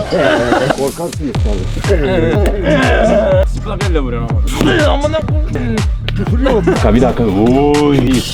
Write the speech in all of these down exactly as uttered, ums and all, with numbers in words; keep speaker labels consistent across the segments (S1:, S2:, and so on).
S1: Korkarsınız tabii.
S2: Çıplak elle vuruyorsun ama. Amına koyayım. Küfür bir dakika. Oy.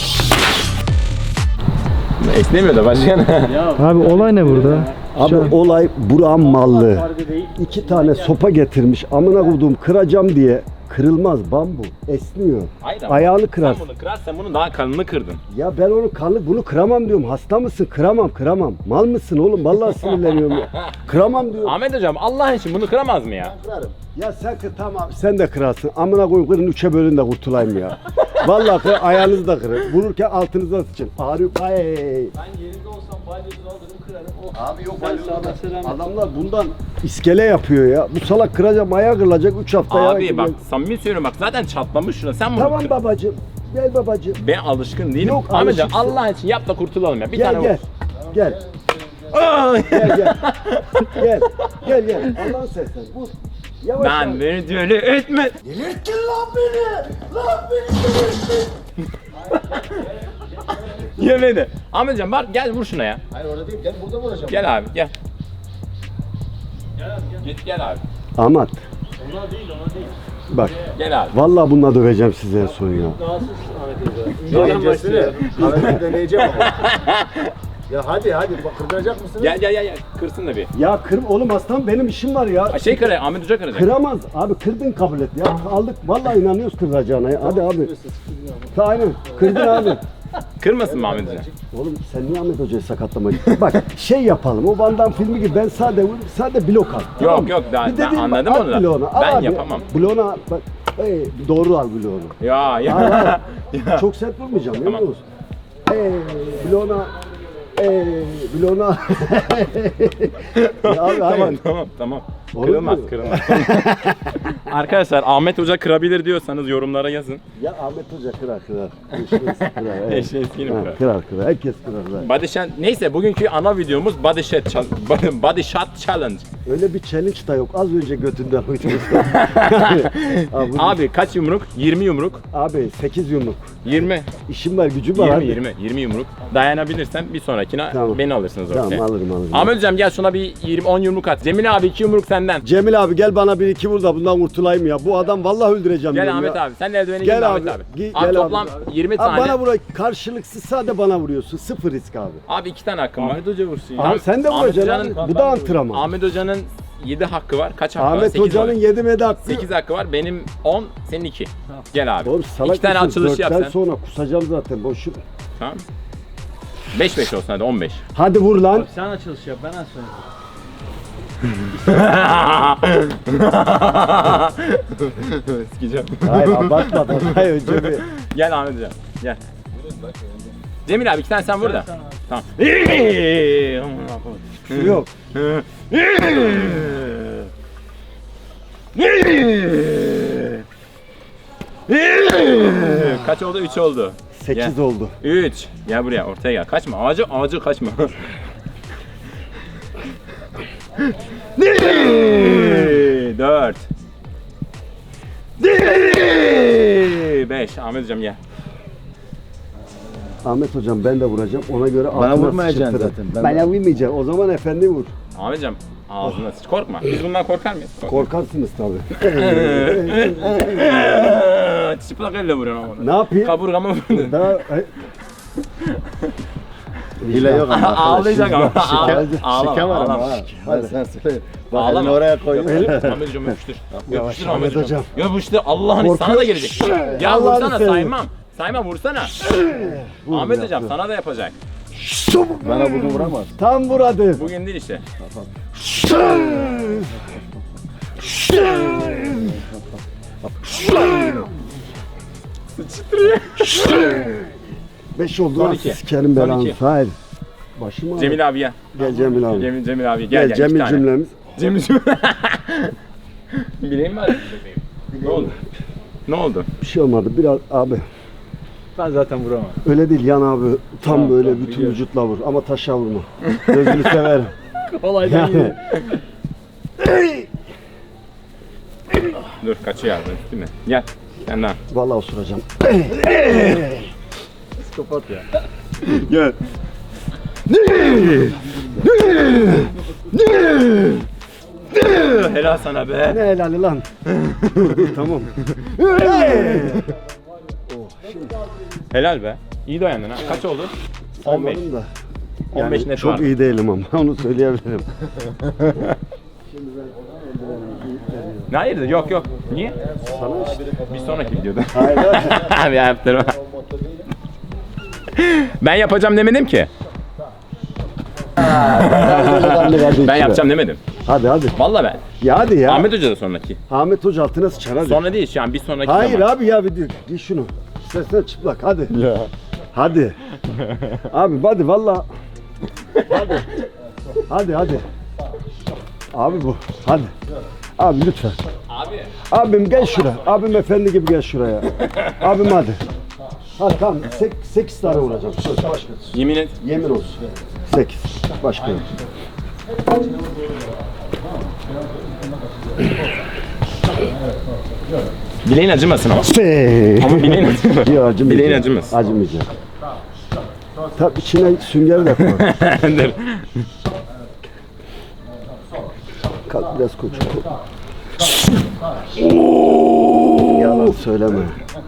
S2: Esnemiyor da başkan.
S3: Abi olay ne burada?
S1: Abi olay Burak'ın mallı. İki tane sopa getirmiş. Amına koyduğum kıracağım diye. Kırılmaz, bambu. Esniyor.
S2: Hayır ama
S1: Ayağını kırar.
S2: Sen bunu kırarsan bunun daha kanını kırdın.
S1: Ya ben onu kanlı bunu kıramam diyorum. Hasta mısın? Kıramam, kıramam. Mal mısın oğlum? Vallahi sinirleniyorum ya. Kıramam diyorum.
S2: Ahmet hocam Allah için bunu kıramaz mı ya?
S1: Kırarım. Ya sen kır tamam. Sen de kırarsın. Amına koyun kırın üçe bölün de kurtulayım ya. Vallahi kır, ayağınızı da kırın. Vururken altınıza sıçın. Ağrıyor. Ay.
S4: Ben yerinde olsam balyozu alırım kırarım. Oh.
S1: Abi yok
S4: Sen sağdan selam.
S1: adamlar bundan iskele yapıyor ya. Bu salak kıracak, ayağı kırılacak üç haftaya.
S2: Abi bak samimi söylüyorum bak zaten çatlamış şuna sen bunu
S1: Tamam
S2: kır.
S1: babacığım. Gel babacığım.
S2: Ben alışkın değilim.
S1: Yok,
S2: Ahmetciğim
S1: alışıksın.
S2: Allah için yap da kurtulalım ya. Bir
S1: Gel
S2: tane
S1: gel. Gel.
S2: Aa!
S1: Gel gel. Gel. Gel gel. Allah'ın seslen. Vur. Yavaş
S2: Ben
S1: yavaş.
S2: beni böyle etme.
S1: Delirttin lan beni. Lan beni delirttin.
S2: Yemedi. Ahmetciğim bak gel vur şuna ya.
S4: Hayır orada değil, gel burada vuracağım.
S2: Gel abi gel. Git gel abi.
S1: Amat.
S4: Ona değil, ona değil.
S1: Bak.
S2: Gel abi.
S1: Vallahi bununla döveceğim size en son ya.
S4: Rahatsız Ahmet Hoca. Öncesini kahvede deneyeceğim ama. Ya hadi hadi, bak kırdıracak mısınız?
S2: Gel gel gel gel. Kırsın da bir.
S1: Ya kır oğlum aslan benim işim var ya.
S2: Ha, Şey kıracak Ahmet Hoca kıracak.
S1: Kıramaz. Abi kırdın kabul et ya. Aldık. Vallahi inanıyoruz kıracağına ya. Hadi abi. Aynen. Kırdın abi.
S2: Kırmasın mı Ahmet Hoca?
S1: Oğlum sen niye Ahmet Hoca'yı sakatlamak istiyorsun? Bak şey yapalım. O Van Damme filmi gibi ben sade vurayım, sade blok al. Tamam mı?
S2: yok, ben-
S1: Bir
S2: ben
S1: dediğim
S2: anladım
S1: bak,
S2: onu
S1: at
S2: da.
S1: bloğunu, al
S2: Ben
S1: abi.
S2: yapamam.
S1: Bloğuna bak. Ey, doğru al bloğunu.
S2: Ya ya.
S1: Al, al.
S2: Ya.
S1: Çok sert vurmayacağım.
S2: Tamam.
S1: Tamam. Ey, bloğuna. Ey, bloğuna. Ya abi,
S2: Tamam
S1: hayır.
S2: tamam tamam.
S1: Olur
S2: Kırılmaz
S1: mu?
S2: kırılmaz. Arkadaşlar Ahmet Hoca kırabilir diyorsanız yorumlara yazın.
S1: Ya Ahmet Hoca kırar kırar. Eşeğiz kırar. Evet.
S2: Eşeğiz
S1: Ha,
S2: kırar.
S1: kırar kırar. Herkes kırar. zaten.
S2: Body shot, neyse bugünkü ana videomuz body shot, chal- body shot challenge.
S1: Öyle bir challenge da yok. Az önce götünden uydurdu. abi,
S2: Abi kaç yumruk? yirmi yumruk.
S1: abi sekiz yumruk.
S2: yirmi.
S1: İşim var, gücüm var.
S2: yirmi
S1: abi.
S2: yirmi. yirmi yumruk. Dayanabilirsen bir sonrakine
S1: Tamam.
S2: beni alırsınız
S1: Tamam
S2: ortaya.
S1: alırım alırım.
S2: Ahmet Hocam gel şuna bir yirmi on yumruk at. Cemil abi iki yumruk senden.
S1: Cemil abi gel bana bir iki vur da bundan kurtulayım ya. Bu adam vallahi öldüreceğim
S2: Gel
S1: diyorum
S2: Ahmet
S1: ya.
S2: abi. Sen de eldiveni
S1: Gel
S2: gel
S1: abi,
S2: Ahmet abi.
S1: gi-
S2: Abi
S1: gel
S2: toplam
S1: abi.
S2: yirmi
S1: Abi
S2: tane.
S1: bana vur, karşılıksız sade bana vuruyorsun. Sıfır risk abi.
S2: Abi iki tane hakkım var.
S4: Ahmet Hoca vursun ya.
S1: Abi sen de
S2: Ahmet
S1: vuracaksın
S2: Hoca'nın-
S1: abi. Bu da antrenman.
S2: Ahmet Hoca'nın yedi hakkı var. Kaç hakkı var?
S1: Ahmet
S2: sekiz
S1: Hoca'nın
S2: var.
S1: yedi medi hakkı.
S2: sekiz hakkı var. Benim on, senin iki. Gel abi.
S1: Oğlum salak
S2: İki tane
S1: mısın?
S2: açılış yap
S1: Dörtten
S2: sen.
S1: sonra kusacağım zaten boşu.
S2: Tamam. beş beş olsun hadi on beş.
S1: Hadi vur lan.
S4: Abi sen açılış yap, ben az sonra.
S2: Sikeceğim.
S1: Hayır abartmadan. Hayır önce bir.
S2: Gel Ahmet Hocam. Gel. Cemil abi iki tane sen vur da.
S4: Sen abi.
S2: Tamam.
S1: Şu yok.
S2: Kaç oldu? üç oldu.
S1: sekiz
S2: Gel.
S1: oldu.
S2: üç. Gel buraya ortaya gel. Kaçma. Ağacı ağacı kaçma. dört. beş. Ahmet Hocam gel.
S1: Ahmet hocam ben de vuracağım. Ona göre
S5: Bana
S1: altına
S5: vurmayacaksın
S1: sıçratırım.
S5: zaten. Ben-
S1: Bana vurmayacaksın. O zaman efendi vur.
S2: Ahmet Hocam ağzına sıç. Korkma. Biz bundan korkar mıyız? Korkma.
S1: Korkarsınız tabii.
S2: Çıplak elle vuruyorsun ama.
S1: Ne yapayım?
S2: Kaburgama vurdun.
S1: Daha e,
S5: Hile yok ama.
S2: Ağlayacak ama.
S5: Şike,
S2: Ağlama,
S5: şike var ama.
S2: ağlama.
S5: ha. Hadi sen söyle. Bak
S2: Ağlama.
S5: elini oraya koy.
S2: Ahmet Hocam yapıştır.
S1: Yavaş
S2: Yapıştır
S1: Ahmet
S2: Ahmet Hocam.
S1: Hocam.
S2: Yapıştır. Allah'ın
S1: Korkuyor.
S2: sana da gelecek. Ya
S1: Allah'ını
S2: vursana
S1: seversen.
S2: saymam. Sayma vursana.
S1: vur
S2: Ahmet
S1: ya.
S2: Hocam sana da yapacak.
S5: Bana bunu vuramaz.
S1: Tam vur hadi.
S2: Bugün değil işte.
S1: Beş oldu
S2: Son
S1: lan
S2: iki.
S1: sikerim
S2: Son
S1: belanı.
S2: iki.
S1: Hayır. Başım ağrıyor.
S2: Cemil abi gel.
S1: Gel Cemil abi.
S2: Cemil, Cemil abi
S1: Gel,
S2: gel gel. iki
S1: Cemil
S2: tane.
S1: cümlemiz.
S2: Cemil cümle. Bileyim mi? Ne oldu? Ne oldu?
S1: Bir şey olmadı. Biraz abi.
S4: Ben zaten vuramam.
S1: Öyle değil yan abi. Tam
S2: Tamam,
S1: böyle
S2: tamam,
S1: bütün
S2: biliyorum.
S1: vücutla vur. Ama taşa vurma. Gözünü severim.
S4: Kolaydan
S1: Yani.
S2: Dur kaçıyor abi değil mi? Gel. Kendin al.
S1: Vallahi osuracağım.
S4: Psikopat ya.
S1: Gel.
S2: Helal sana be.
S1: Ne helali lan? Dur dur tamam. Hey!
S2: Helal be. İyi dayandın ha. Kaç oldu? on beş.
S1: Saymadım da.
S2: on beş
S1: Yani
S2: net
S1: çok
S2: var.
S1: iyi değilim ama onu söyleyebilirim.
S2: Ne hayırdır? Yok yok. Niye?
S1: Sana işte.
S2: Bir sonraki videoda.
S1: Hayır.
S2: Abi yaptırma. Ben yapacağım demedim ki. Ben yapacağım demedim.
S1: Hadi hadi.
S2: Vallahi ben.
S1: Ya hadi ya.
S2: Ahmet Hoca da sonraki.
S1: Ahmet Hoca altına sıçar hadi.
S2: Sonra değil şu an bir sonraki
S1: Hayır
S2: zaman.
S1: abi ya bir dur. Giy şunu. İstersen çıplak hadi.
S5: Ya.
S1: Hadi. Abi hadi valla. Hadi. Hadi hadi. Abi bu. Hadi. Abi lütfen.
S2: Abi.
S1: Abim gel şuraya. Abim efendi gibi gel şuraya. Abim hadi. Hadi tamam. Sek, sekiz tane vuracağım. Söz başka.
S2: Yemin et.
S1: Yemin olsun. Sekiz. Başka yok.
S2: Bileğin acımasın ama.
S1: Şey.
S2: Ama bileğin acımasın.
S1: Yok acımayacak.
S2: Bileğin acımaz.
S1: Acımayacak. Tabii içine sünger de koy.
S2: Dur.
S1: Kalk biraz koç. Yalan söyleme.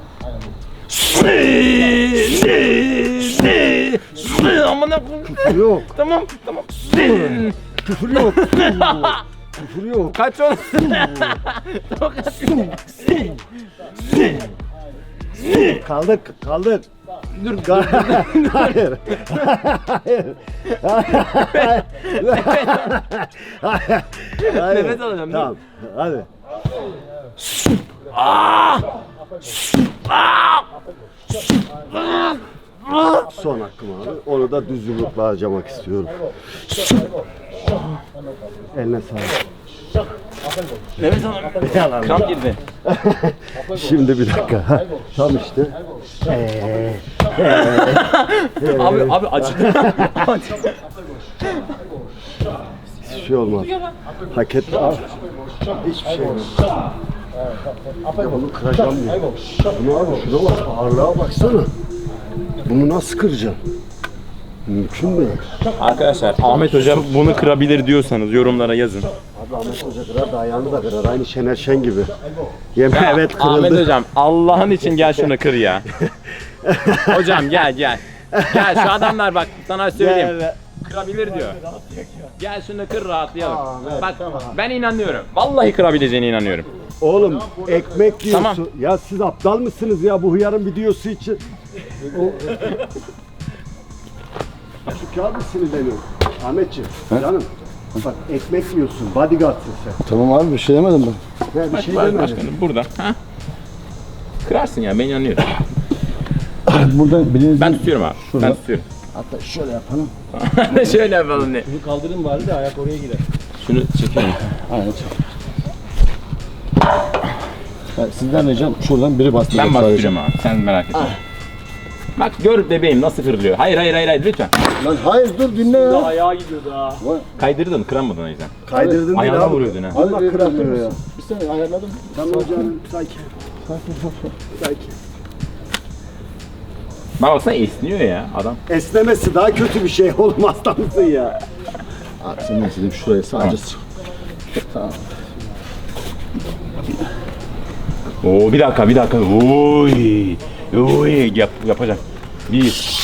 S2: Amına
S1: Küfür yok.
S2: Tamam tamam.
S1: Küfür yok. Küfür yok.
S2: Kaç oldu?
S1: Kaldık, kaldık.
S2: Dur.
S1: Hayır. Hayır. Hayır.
S2: Nefes alacağım, dur.
S1: Tamam. Hadi. Son hakkım abi. Onu da düz yumrukla harcamak istiyorum. Eline sağlık.
S2: Nefes alamıyorum. Kramp girdi.
S1: Şimdi bir dakika. Ha, tam işte. Ee,
S2: Abi abi acıdı.
S1: hiçbir şey olmaz. Hak etti abi. Hiçbir şey yok. Ya bunu kıracağım diye. Bunu abi şuna bak. Ağırlığa baksana. Bunu nasıl kıracağım? Mümkün değil.
S2: Arkadaşlar Ahmet Hoca bunu kırabilir diyorsanız yorumlara yazın.
S1: Abi Ahmet Hoca kırar da ayağını da kırar. Aynı Şener Şen gibi. Yemin
S2: Ya,
S1: evet kırıldı.
S2: Ahmet Hocam Allah'ın için gel şunu kır ya. Hocam gel gel. Gel şu adamlar bak sana söyleyeyim.
S1: Gel.
S2: Kırabilir diyor. Gel şunu kır rahatlayalım. Bak ben inanıyorum. Vallahi kırabileceğine inanıyorum.
S1: Oğlum ekmek yiyorsun.
S2: Tamam.
S1: Ya siz aptal mısınız ya bu hıyarın videosu için? O... Şu kağıdı sinirleniyorum. Ahmetciğim canım. Bak ekmek yiyorsun. Bodyguardsın sen.
S5: Tamam abi bir şey demedim ben.
S1: Ya bir şey
S2: Bak
S1: demedim.
S2: başkanım burada. Ha? Kırarsın ya ben inanıyorum.
S5: Burada bilinizin
S2: Ben tutuyorum abi.
S5: Şurada.
S2: Ben tutuyorum.
S5: hatta şöyle yapalım.
S2: Şöyle yapalım diye.
S4: Bunu kaldırın bari de ayak oraya gider.
S2: Şunu çekelim.
S5: Aynen çek. Ben sizden ricam şuradan biri bastıracak
S2: Ben
S5: sadece.
S2: bastıracağım abi. Sen merak etme. Bak gör bebeğim nasıl kırılıyor. Hayır hayır hayır hayır lütfen.
S5: Lan hayır dur dinle ya.
S4: Ayağa gidiyor daha.
S2: Kaydırdın kıramadın o yüzden.
S1: Kaydırdın değil
S2: Ayağına
S1: abi.
S2: vuruyordun ha.
S1: Allah
S5: Hadi
S1: kıramıyor ya.
S5: Bir saniye ayarladım.
S1: Tamam canım sakin. Sakin.
S2: Bak baksana esniyor ya adam.
S1: Esnemesi daha kötü bir şey olmaz da mısın ya?
S5: Abi sen ne istedin şuraya sadece sık. Tamam.
S2: Oo bir dakika bir dakika. Oy. Oy yap, yapacağım. Bir.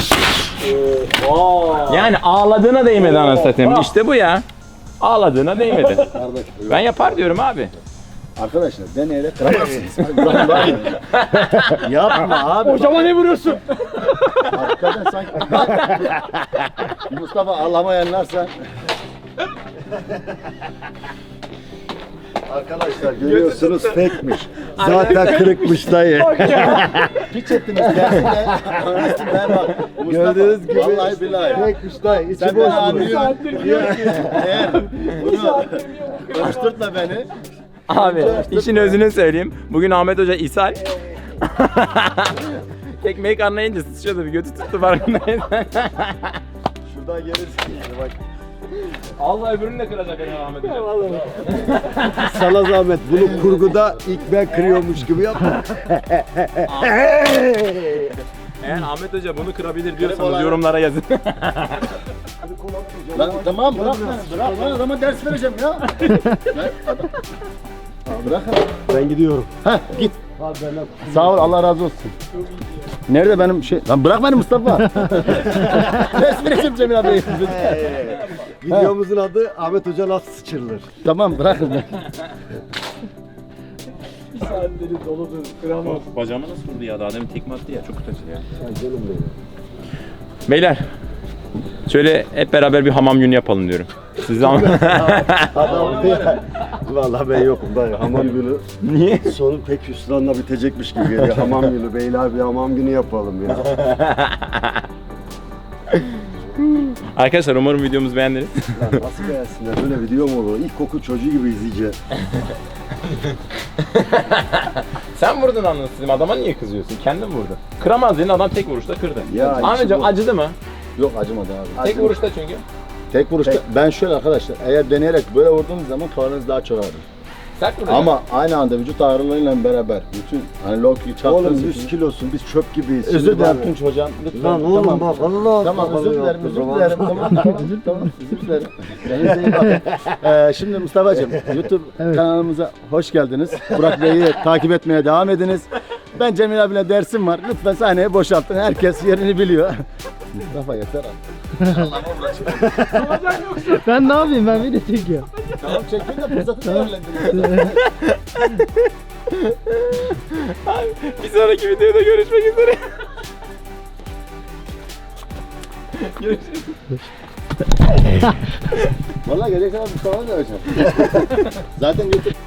S2: Yani ağladığına değmedi anasını satayım. İşte bu ya. Ağladığına değmedi.
S5: Kardeş.
S2: Ben yapar diyorum abi.
S5: Arkadaşlar deneyerek kıramazsınız. Lan daha iyi.
S1: Yapma abi.
S4: Hocama ne vuruyorsun?
S5: Hakikaten sanki. Mustafa ağlamayanlarsa.
S1: Arkadaşlar görüyorsunuz fake'miş. Zaten kırıkmış dayı.
S5: Hiç ettiniz gelsin de. Ben bak. Mustafa,
S1: Gördüğünüz gibi
S5: Vallahi billahi.
S1: fake'miş dayı. İçi
S5: Sen
S1: boş
S5: beni
S1: bu.
S5: anlıyorsun. Eğer bunu koşturtma beni.
S2: Abi işin özünü söyleyeyim. Bugün Ahmet Hoca ishal. Ekmeği anlayınca sıçıyordu bir götü tuttu farkındayım.
S1: Şuradan gelirsin işte bak.
S2: Allah öbürünü de kıracak yani Ahmet Hoca.
S1: Sana zahmet bunu kurguda ilk ben kırıyormuş gibi yap.
S2: Eğer Ahmet Hoca bunu kırabilir diyorsanız yorumlara yazın.
S1: kol atmayacağım.
S5: Lan
S1: Yavaş,
S5: tamam
S1: gel
S5: bırak
S1: biraz,
S5: beni. Bırak lan adama ders vereceğim ya. Ben adam. Aa, bırak.
S1: Ben gidiyorum.
S5: Heh git.
S1: Abi benden
S5: Sağ ol Allah razı olsun. Nerede benim şey? Lan bırak beni Mustafa. Ders vereceğim Cemil abi.
S1: videomuzun adı Ahmet Hoca nasıl sıçırılır?
S5: Tamam bırakın beni.
S2: Bacağıma nasıl vurdu ya? Daha demin tekme attı ya. Çok kötü ya.
S1: Ay canım benim.
S2: Beyler. Şöyle hep beraber bir hamam günü yapalım diyorum. Siz ama...
S1: Adam ya. Vallahi ben yokum dayı. Hamam günü.
S2: Niye?
S1: Sonu pek hüsranla bitecekmiş gibi geliyor. Hamam günü. Beyler bir hamam günü yapalım ya.
S2: Arkadaşlar umarım videomuzu beğendiniz.
S1: Lan nasıl beğensinler? Böyle video mu olur? İlkokul çocuğu gibi izleyeceğiz.
S2: Sen vurdun anasını. Adama niye kızıyorsun? Kendin vurdun. Kıramaz dedin, adam tek vuruşta kırdı.
S1: Ya,
S2: Ahmetciğim
S1: bu-
S2: acıdı mı?
S5: Yok acımadı abi.
S2: Tek vuruşta çünkü.
S5: Tek vuruşta ben şöyle arkadaşlar eğer deneyerek böyle vurduğunuz zaman karnınız daha çok ağrır.
S2: Sert vurdun.
S5: Ama aynı anda vücut ağırlığıyla beraber bütün hani Loki
S1: Oğlum
S5: çarptığınız
S1: yüz kilosun. Biz çöp gibiyiz.
S5: Özür
S1: Şimdi
S5: dilerim
S1: bak-
S5: Tunç hocam. Lütfen.
S1: Lan oğlum
S5: tamam.
S1: bak Allah
S5: Tamam
S1: Allah
S5: özür dilerim,
S1: yaptı
S5: özür
S1: zaman.
S5: dilerim. Tamam, tamam, tamam, özür dilerim. Kendinize iyi bakın. Ee, şimdi Mustafa'cığım, YouTube kanalımıza hoş geldiniz. Burak Bey'i takip etmeye devam ediniz. Ben Cemil abiyle dersim var. Lütfen sahneyi boşaltın. Herkes yerini biliyor. Mustafa yeter abi.
S3: Ben ne yapayım, ben video çekiyorum.
S5: Tamam çekin de fırsatı değerlendirin.
S2: Bir sonraki videoda görüşmek üzere. Görüşürüz.
S5: Vallahi gelecek zaman Mustafa'yı da vereceğim. Zaten YouTube